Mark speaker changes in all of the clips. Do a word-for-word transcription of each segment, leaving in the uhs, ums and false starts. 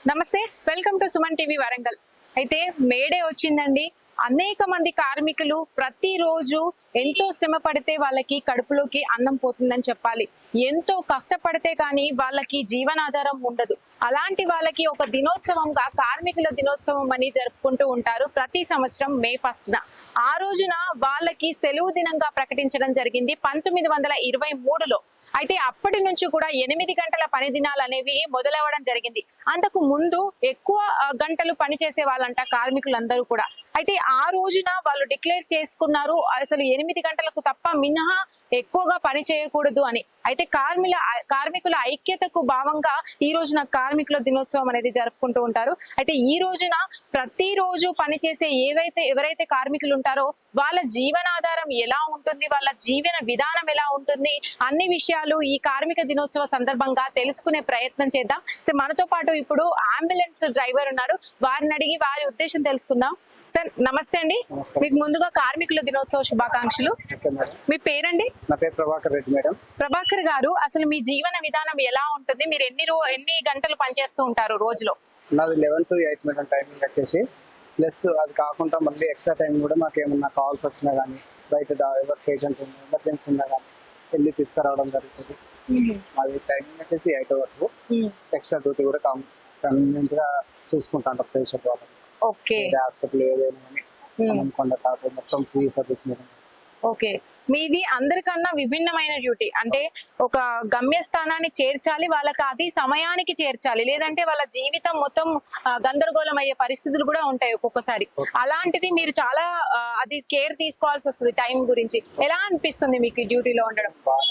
Speaker 1: నమస్తే, welcome to Suman TV Warangal. అయితే May Day వచ్చిందండి. అనేక మంది కార్మికులు ప్రతిరోజు ఎంతో శ్రమ పడితే వాళ్ళకి కడుపులోకి అన్నం పోతుందని చెప్పాలి. ఎంతో కష్టపడితే కానీ వాళ్ళకి జీవనాధారం ఉండదు. అలాంటి వాళ్ళకి ఒక దినోత్సవంగా కార్మికుల దినోత్సవం అని జరుపుకుంటూ ఉంటారు ప్రతి సంవత్సరం మే ఫస్ట్ న. ఆ రోజున వాళ్ళకి సెలవు దినంగా ప్రకటించడం జరిగింది పంతొమ్మిది వందల ఇరవై మూడులో. అయితే అప్పటి నుంచి కూడా ఎనిమిది గంటల పని దినాలు అనేవి మొదలవ్వడం జరిగింది. అంతకు ముందు ఎక్కువ గంటలు పని చేసే వాళ్ళంట కార్మికులందరూ కూడా. అయితే ఆ రోజున వాళ్ళు డిక్లేర్ చేసుకున్నారు అసలు ఎనిమిది గంటలకు తప్ప మినహా ఎక్కువగా పని చేయకూడదు అని. అయితే కార్మికుల కార్మికుల ఐక్యతకు భావంగా ఈ రోజున కార్మికుల దినోత్సవం అనేది జరుపుకుంటూ ఉంటారు. అయితే ఈ రోజున ప్రతిరోజు పనిచేసే ఏవైతే ఎవరైతే కార్మికులు ఉంటారో వాళ్ళ జీవనాధారం ఎలా ఉంటుంది, వాళ్ళ జీవన విధానం ఎలా ఉంటుంది, అన్ని విషయాలు ఈ కార్మిక దినోత్సవ సందర్భంగా తెలుసుకునే ప్రయత్నం చేద్దాం. మనతో పాటు ఇప్పుడు అంబులెన్స్ డ్రైవర్ ఉన్నారు, వారిని అడిగి వారి ఉద్దేశం తెలుసుకుందాం. సార్ నమస్తే అండి, మీకు ముందుగా కార్మికుల దినోత్సవ శుభాకాంక్షలు. మీ పేరండి?
Speaker 2: నా పేరు ప్రభాకర్ రెడ్డి మేడం.
Speaker 1: ప్రభాకర్ గారు, అసలు మీ జీవన విధానం ఎలా ఉంటుంది? మీరు ఎన్ని రో ఎన్ని గంటలు పనిచేస్తూ ఉంటారు రోజులో?
Speaker 2: నాది eleven to eight madam timing వచ్చేసి. ప్లస్ అది కాకుండా మళ్ళీ ఎక్స్ట్రా టైం కూడా మాకు ఏమన్నా కాల్స్ వచ్చినా కానీ, బయట ఎవరు పేషెంట్ ఉన్నా ఎమర్జెన్సీ ఉన్నా కానీ వెళ్ళి తీసుకురావడం జరుగుతుంది. అది టైమింగ్ వచ్చేసి ఎయిట్ అవర్స్. ఎక్స్ట్రా డ్యూటీ కూడా కన్వీనియంట్ గా చూసుకుంటాను పేషెంట్ వాళ్ళని.
Speaker 1: ఓకే,
Speaker 2: హాస్పిటల్ ఏదైనా మొత్తం ఫ్రీ సర్వీస్ మేడం.
Speaker 1: ఓకే, మీది అందరికన్నా విభిన్నమైన డ్యూటీ. అంటే ఒక గమ్యస్థానాన్ని చేర్చాలి, వాళ్ళకి అది సమయానికి చేర్చాలి, లేదంటే వాళ్ళ జీవితం మొత్తం గందరగోళం అయ్యే పరిస్థితులు కూడా ఉంటాయి ఒక్కొక్కసారి. అలాంటిది మీరు చాలా అది కేర్ తీసుకోవాల్సి వస్తుంది టైం గురించి. ఎలా అనిపిస్తుంది మీకు ఈ డ్యూటీలో ఉండడం?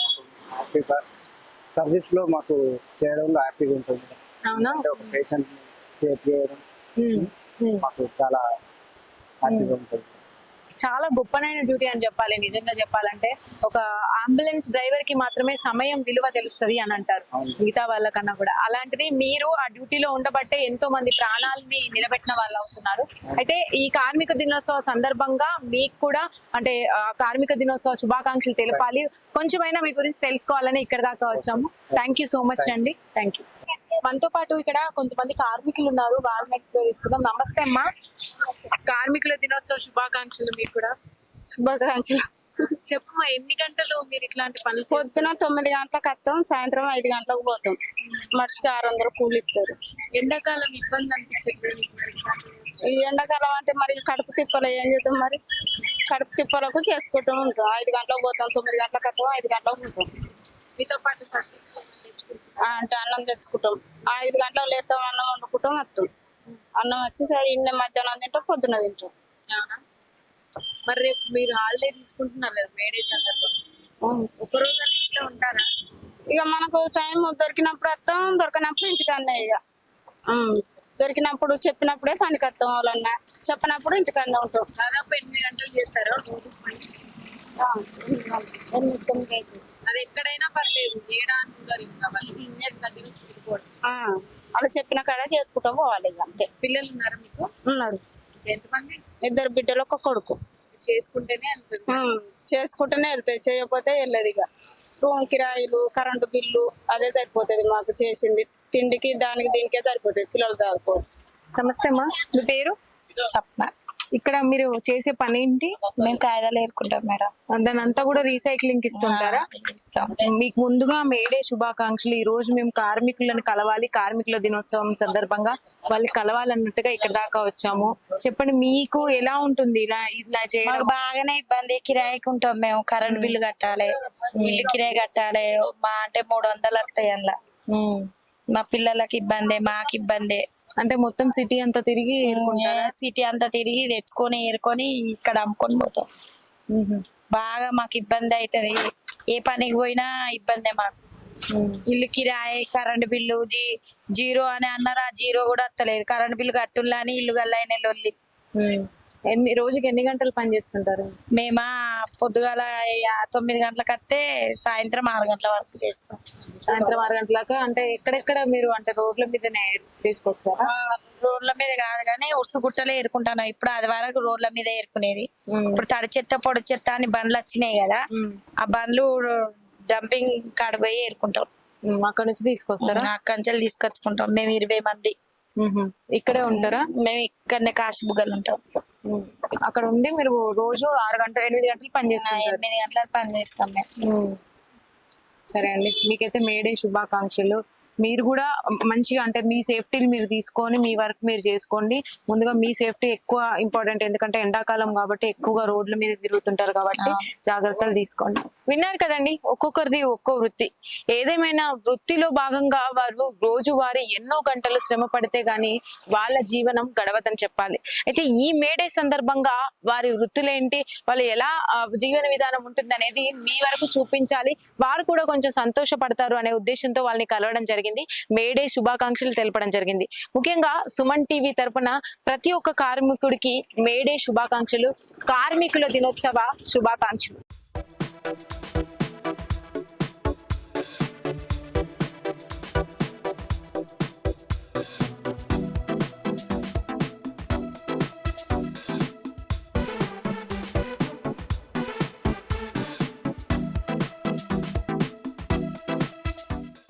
Speaker 2: సర్వీస్ లో మాకు చేయడంలో హ్యాపీగా ఉంటుంది.
Speaker 1: అవునా?
Speaker 2: ఒక పేషెంట్ సేఫ్ చేయడం మాకు చాలా హ్యాపీగా ఉంటుంది.
Speaker 1: చాలా గొప్పనైన డ్యూటీ అని చెప్పాలి. నిజంగా చెప్పాలంటే ఒక అంబులెన్స్ డ్రైవర్ కి మాత్రమే సమయం విలువ తెలుస్తుంది అని అంటారు, మిగతా వాళ్ళకన్నా కూడా. అలాంటిది మీరు ఆ డ్యూటీలో ఉండబట్టే ఎంతో మంది ప్రాణాలని నిలబెట్టిన వాళ్ళు అవుతున్నారు. అయితే ఈ కార్మిక దినోత్సవ సందర్భంగా మీకు కూడా అంటే కార్మిక దినోత్సవ శుభాకాంక్షలు తెలపాలి, కొంచెమైనా మీ గురించి తెలుసుకోవాలని ఇక్కడ దాకా వచ్చాము. థ్యాంక్ యూ సో మచ్ అండి. Thank you. మనతో పాటు ఇక్కడ కొంతమంది కార్మికులు ఉన్నారు, వాళ్ళని తెలుసుకుందాం. నమస్తే అమ్మా, కార్మికుల దినోత్సవ శుభాకాంక్షలు. మీకు కూడా
Speaker 3: శుభాకాంక్షలు.
Speaker 1: చెప్పమ్మా, ఎన్ని గంటలు మీరు ఇట్లాంటి పనులు?
Speaker 3: పొద్దున తొమ్మిది గంటలకు వస్తాం, సాయంత్రం ఐదు గంటలకు పోతాం. మనిషికి ఆరు వందలు కూలి ఇస్తారు.
Speaker 1: ఎండాకాలం ఇబ్బంది అనిపించట్లేదు?
Speaker 3: ఈ ఎండాకాలం అంటే మరి కడుపు తిప్పలు ఏం చేద్దాం, మరి కడుపు తిప్పలకు చేసుకుంటూ ఉంటాం. ఐదు గంటలకు పోతాం, తొమ్మిది గంటలకు వస్తాం, ఐదు గంటలకు పోతాం.
Speaker 1: మీతో పాటు
Speaker 3: అంటే అన్నం తెచ్చుకుంటాం, ఐదు గంటలకు లేస్తాం, అన్నం వండుకుంటాం, వస్తాం. అన్నం వచ్చి ఇన్న మధ్యాహ్నం తింటాం, పొద్దున తింటాం.
Speaker 1: మరి రేపు మీరు హాలిడే తీసుకుంటున్నారు కదా మేడే సందర్భంగా, ఒక రోజు ఇంట్లో ఉంటారా?
Speaker 3: ఇక మనకు టైం దొరికినప్పుడు వస్తాం, దొరికినప్పుడు ఇంటికి అన్నీ. ఇక దొరికినప్పుడు చెప్పినప్పుడే పనికి వస్తాం, వాళ్ళన్నా చెప్పినప్పుడు ఇంటికన్నా ఉంటాం.
Speaker 1: దాదాపు ఎనిమిది గంటలు చేస్తారా?
Speaker 3: ఎనిమిది తొమ్మిది అయితే
Speaker 1: అది ఎక్కడైనా పర్లేదు, ఏడాది
Speaker 3: అలా చెప్పిన కాడ చేసుకుంటా పోవాలి. ఇక అంతే.
Speaker 1: పిల్లలు ఉన్నారా మీకు?
Speaker 3: ఉన్నారు.
Speaker 1: ఎంతమంది?
Speaker 3: ఇద్దరు బిడ్డలు, ఒక కొడుకు.
Speaker 1: చేసుకుంటేనే వెళ్తుంది.
Speaker 3: చేసుకుంటేనే వెళ్తాయి, చేయకపోతే వెళ్ళదు. ఇక రూమ్ కిరాయిలు, కరెంటు బిల్లు అదే సరిపోతుంది మాకు. చేసింది తిండికి దానికి దీనికే సరిపోతుంది, పిల్లలు చదువుకోరు.
Speaker 1: నమస్తే అమ్మా, మీ పేరు?
Speaker 4: సప్న.
Speaker 1: ఇక్కడ మీరు చేసే పని ఏంటి?
Speaker 4: మేము కాయదాలు ఏరుకుంటాం మేడం.
Speaker 1: దాని అంతా కూడా రీసైక్లింగ్ ఇస్తుంటారా?
Speaker 4: ఇస్తాం.
Speaker 1: మీకు ముందుగా మేడే శుభాకాంక్షలు. ఈ రోజు మేము కార్మికులను కలవాలి, కార్మికుల దినోత్సవం సందర్భంగా వాళ్ళు కలవాలన్నట్టుగా ఇక్కడ దాకా వచ్చాము. చెప్పండి, మీకు ఎలా ఉంటుంది ఇలా ఇలా చేయడం?
Speaker 4: బాగానే ఇబ్బంది. కిరాయికి ఉంటాం మేము, కరెంట్ బిల్లు కట్టాలి, ఇల్లు కిరాయి కట్టాలి. మా అంటే మూడు వందలు వస్తాయి అందులో. మా పిల్లలకి ఇబ్బంది, మాకు ఇబ్బంది.
Speaker 1: అంటే మొత్తం సిటీ అంతా తిరిగి
Speaker 4: సిటీ అంతా తిరిగి తెచ్చుకొని ఏరుకొని ఇక్కడ అమ్ముకొని పోతాం. బాగా మాకు ఇబ్బంది అవుతుంది. ఏ పనికి పోయినా ఇబ్బందే మాకు. ఇల్లు కిరాయి, కరెంట్ బిల్లు జీ జీరో అని అన్నారు, ఆ జీరో కూడా వస్తలేదు. కరెంట్ బిల్లు కట్టుల్లా అని ఇల్లు గల్లైన లొల్లి.
Speaker 1: ఎన్ని రోజుకి ఎన్ని గంటలు పని చేస్తుంటారు?
Speaker 4: మేమా పొద్దుగాల తొమ్మిది గంటలకు వస్తే సాయంత్రం ఆరు గంటల వరకు చేస్తాం.
Speaker 1: సాయంత్రం ఆరు గంటలకు అంటే ఎక్కడెక్కడ మీరు అంటే రోడ్ల మీదనే తీసుకొచ్చారా?
Speaker 4: రోడ్ల మీద కాదు కానీ ఉరుసు గుట్టలే ఏరుకుంటాను. ఇప్పుడు అది వరకు రోడ్ల మీద ఏరుకునేది. ఇప్పుడు తడి చెత్త పొడి చెత్త అని బండ్లు వచ్చినాయి కదా, ఆ బండ్లు డంపింగ్ కాడ పోయి ఏరుకుంటాం.
Speaker 1: అక్కడ నుంచి తీసుకొస్తారా?
Speaker 4: అక్కడి నుంచి తీసుకొచ్చుకుంటాం మేము ఇరవై మంది.
Speaker 1: మ్మ్. ఇక్కడే ఉంటారా?
Speaker 4: మేము ఇక్కడనే కాశీబుగ్గలు ఉంటాం.
Speaker 1: మ్మ్. అక్కడ ఉండి మీరు రోజు ఆరు గంటలు ఎనిమిది గంటలు పని
Speaker 4: ఆ,
Speaker 1: చేస్తారు.
Speaker 4: ఎనిమిది గంటలకు పని చేస్తాం మేము.
Speaker 1: సరే అండి, మీకైతే మేడే శుభాకాంక్షలు. మీరు కూడా మంచిగా అంటే మీ సేఫ్టీని మీరు తీసుకొని మీ వర్క్ మీరు చేసుకోండి. ముందుగా మీ సేఫ్టీ ఎక్కువ ఇంపార్టెంట్, ఎందుకంటే ఎండాకాలం కాబట్టి ఎక్కువగా రోడ్ల మీద తిరుగుతుంటారు కాబట్టి జాగ్రత్తలు తీసుకోండి. విన్నారు కదండి, ఒక్కొక్కరిది ఒక్కో వృత్తి. ఏదేమైనా వృత్తిలో భాగంగా వారు రోజువారీ ఎన్నో గంటలు శ్రమ పడితే గాని వాళ్ళ జీవనం గడవదని చెప్పాలి. అయితే ఈ మేడే సందర్భంగా వారి వృత్తులేంటి, వాళ్ళు ఎలా ఆ, జీవన విధానం ఉంటుంది అనేది మీ వరకు చూపించాలి, వారు కూడా కొంచెం సంతోషపడతారు అనే ఉద్దేశంతో వాళ్ళని కలవడం జరిగింది. మేడే శుభాకాంక్షలు తెలపడం జరిగింది. ముఖ్యంగా సుమన్ టీవీ తరపున ప్రతి ఒక్క కార్మికుడికి మేడే శుభాకాంక్షలు, కార్మికుల దినోత్సవ శుభాకాంక్షలు.